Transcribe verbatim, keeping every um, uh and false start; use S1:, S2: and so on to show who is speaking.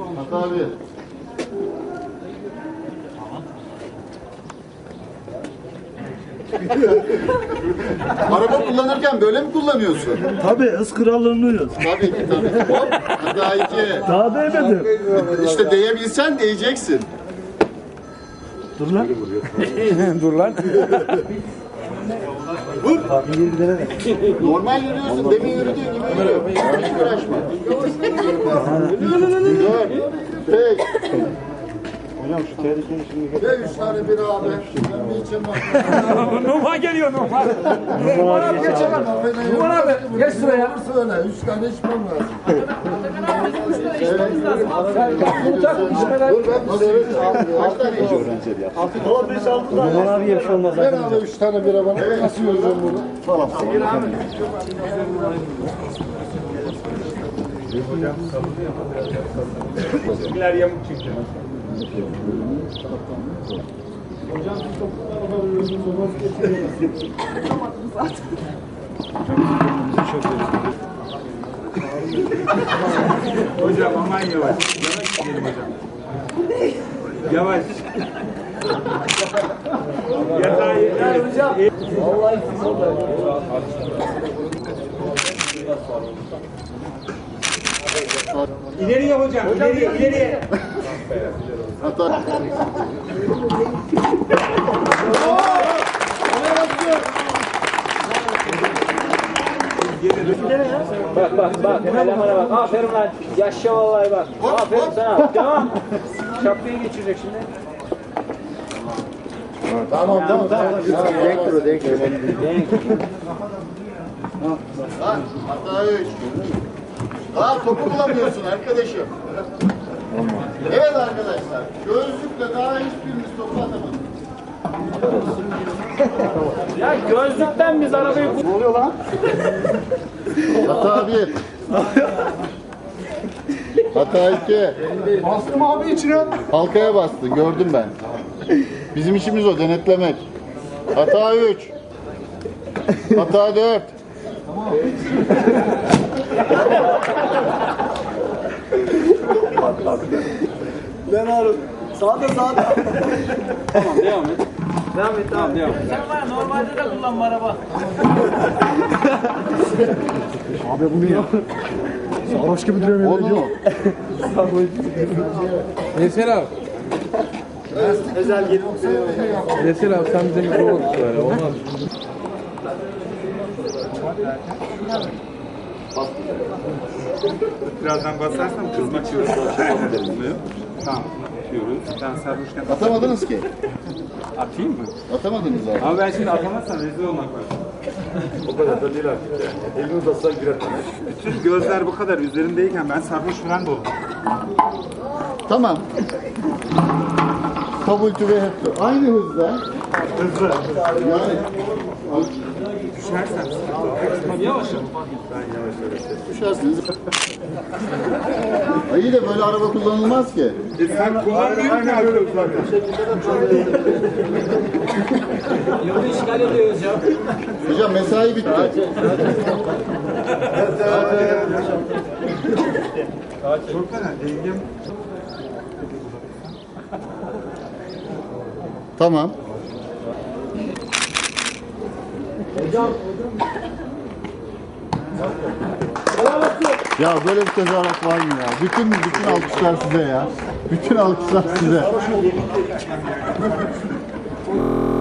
S1: Hata abi. Araba kullanırken böyle mi kullanıyorsun?
S2: Tabii ıskıralınıyoruz.
S1: Tabii ki tabii. Hop, hata iki.
S2: Daha değmedim.
S1: İşte değebilsen değeceksin.
S2: Dur lan.
S3: Dur lan.
S1: Vur. Normal yürüyorsun. Demin yürüdüğün gibi yürü. Hiç uğraşma. Dört. Beş.
S2: Hocam şu tehlikeyi şimdi
S1: Ve üç tane bir abi. Ben bir içim var.
S3: Numan geliyor Numan.
S2: Numan abi geç abi.
S3: Numan abi geç sıraya.
S1: Söyle. Üç tane içmem lazım. Dur ben evet. Kaç tane içiyorsun?
S2: Valla beş altı tane. Numan abiye bir şey olmaz.
S1: Ver abi üç tane bira bana. Evet. Nasıl yiyeceğim bunu? Falan.
S3: Bizimkiler yamuk çünkü. Hocam aman yavaş. Yavaş gidelim hocam. Yavaş. Yatağı yeter hocam. Vallahi İleriye hocam, ileriye, ileriye.
S1: Hata.
S4: Bak bak bak, elemana bak. Aferin lan. Yaşa vallahi bak. Aferin sana. Tamam. Şapkayı geçirecek şimdi.
S1: Tamam tamam tamam. Denk dur denk dur. Hata üç. Daha topu bulamıyorsun arkadaşım. Evet arkadaşlar. Gözlükle daha hiçbirimiz topu atamadık.
S4: Ya gözlükten biz arabayı...
S2: Ne oluyor lan?
S1: Hata bir. Hata iki.
S2: Bastım abi içine.
S1: Halkaya bastı. Gördüm ben. Bizim işimiz o. Denetlemek. Hata üç. Hata dört.
S2: Ben Harun. Sağda sağda.
S4: Tamam devam et. Devam et, tamam devam et. Normalde de kullanma araba.
S2: Abi bu ne ya? Sarhoş gibi duruyor.
S1: Onu mu?
S3: Veysel abi. Veysel abi sen bize mikrofon söyle olmaz. Birazdan basarsan kızmak yiyoruz. Tamam. Yiyoruz. Ben sarhoşken
S1: Atamadınız ki.
S3: atayım mı?
S1: Atamadınız abi.
S3: Ama ben şimdi atamazsam rezil olmak var.
S2: O kadar da değil artık ya. Elini uzatsan girer.
S3: Bütün gözler bu kadar üzerindeyken ben sarhoş falan da oldum.
S1: Tamam. Kabultü ve hepsi. Aynı hızda.
S2: Hızlı.
S1: Yani.
S3: Düşersen
S4: Yavaş.
S1: Düşersiniz. Ay iyi de böyle araba kullanılmaz ki.
S3: E sen kullanmıyorsun ki abi.
S4: Yolu işgal ediyoruz ya.
S1: Hocam mesai bitti.
S3: Çok fena. Dengem
S1: Tamam. Ya böyle bir tezahürat var mı ya? Bütün bütün alkışlar size ya. Bütün alkışlar size.